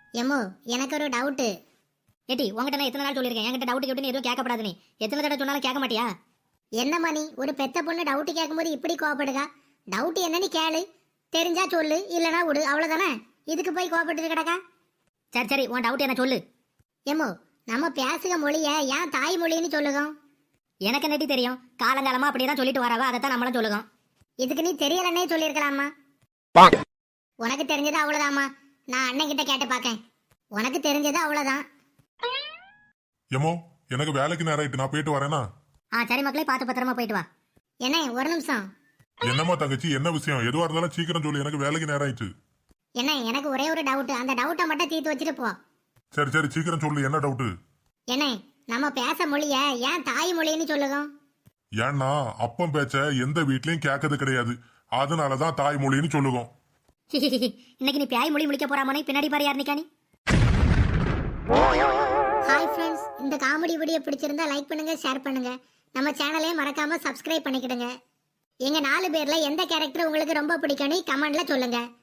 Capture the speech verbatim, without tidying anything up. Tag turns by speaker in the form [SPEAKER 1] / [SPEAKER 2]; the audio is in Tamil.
[SPEAKER 1] எம்மோ எனக்கு ஒரு டவுட்டு.
[SPEAKER 2] ஏட்டி உங்ககிட்ட நான் எத்தனை நாள் சொல்லியிருக்கேன், என்கிட்ட டவுட் கேட்டு எதுவும் கேட்கப்படாது. நீ எத்தனை தடவை சொன்னாலும் கேட்க மாட்டியா?
[SPEAKER 1] என்னம்மா நீ ஒரு பெத்த பொண்ணு டவுட் கேட்கும்போது இப்படி கோவப்படுதா? டவுட் என்னன்னு கேளு, தெரிஞ்சா சொல்லு, இல்லனா விடு, அவ்வளவுதானே. இதுக்கு போய் கோவப்பட்டு கிடக்கா?
[SPEAKER 2] சரி சரி, உன் டவுட் என்ன சொல்லு.
[SPEAKER 1] எம்மோ நம்ம பேசுக மொழிய ஏன் தாய் மொழின்னு சொல்லுங்க?
[SPEAKER 2] எனக்கு நெட்டி தெரியும், காலங்காலமா அப்படியே தான் சொல்லிட்டு வரவா, அதைத்தான் நம்மளும் சொல்லுவோம்.
[SPEAKER 1] இதுக்கு நீ தெரியலன்னே சொல்லியிருக்கலாமா? உனக்கு தெரிஞ்சது அவ்வளவுதாம்மா. நான் அண்ணன் கிட்ட கேட்டு பார்க்கேன். உனக்கு தெரிஞ்சது அவ்வளவுதான்.
[SPEAKER 3] எமோ எனக்கு வேலைக்கு நேரம் ஆயிட்டு, நான் போயிட்டு வரேனா?
[SPEAKER 2] ஆ சரி மக்களே, பார்த்து பத்திரமா போயிட்டு வா.
[SPEAKER 1] என்ன ஒரு நிமிஷம்.
[SPEAKER 3] என்னம்மா தங்கச்சி, என்ன விஷயம்? எதுவா இருந்தாலும் சீக்கிரம் சொல்லு, எனக்கு வேலைக்கு நேரம் ஆயிடுச்சு.
[SPEAKER 1] என்ன எனக்கு ஒரே ஒரு டவுட், அந்த டவுட்டை மட்டும் தீர்த்து வச்சுட்டு போ.
[SPEAKER 3] சரி சரி சீக்கிரம் சொல்லு, என்ன டவுட்டு?
[SPEAKER 1] என்ன நம்ம பேச மொழிய ஏன் தாய் மொழின்னு சொல்லுங்க?
[SPEAKER 3] ஏன்னா அப்பம் பேச்ச எந்த வீட்லயும் கேட்கறது கிடையாது, அதனாலதான் தாய்மொழின்னு சொல்லுவோம்.
[SPEAKER 2] இன்னைக்கு நீ பேய் மொழி முடிக்க போறாமனே, பின்னாடி பாரு யார் நிக்கானி.
[SPEAKER 1] ஹாய் ஃப்ரெண்ட்ஸ், இந்த காமெடி வீடியோ பிடிச்சிருந்தா லைக் பண்ணுங்க, ஷேர் பண்ணுங்க. நம்ம சேனலையும் மறக்காம சப்ஸ்கிரைப் பண்ணிக்கிடுங்க. எங்க நாலு பேர்ல எந்த கேரக்டர் உங்களுக்கு ரொம்ப பிடிக்கும்னு கமெண்ட்ல சொல்லுங்க.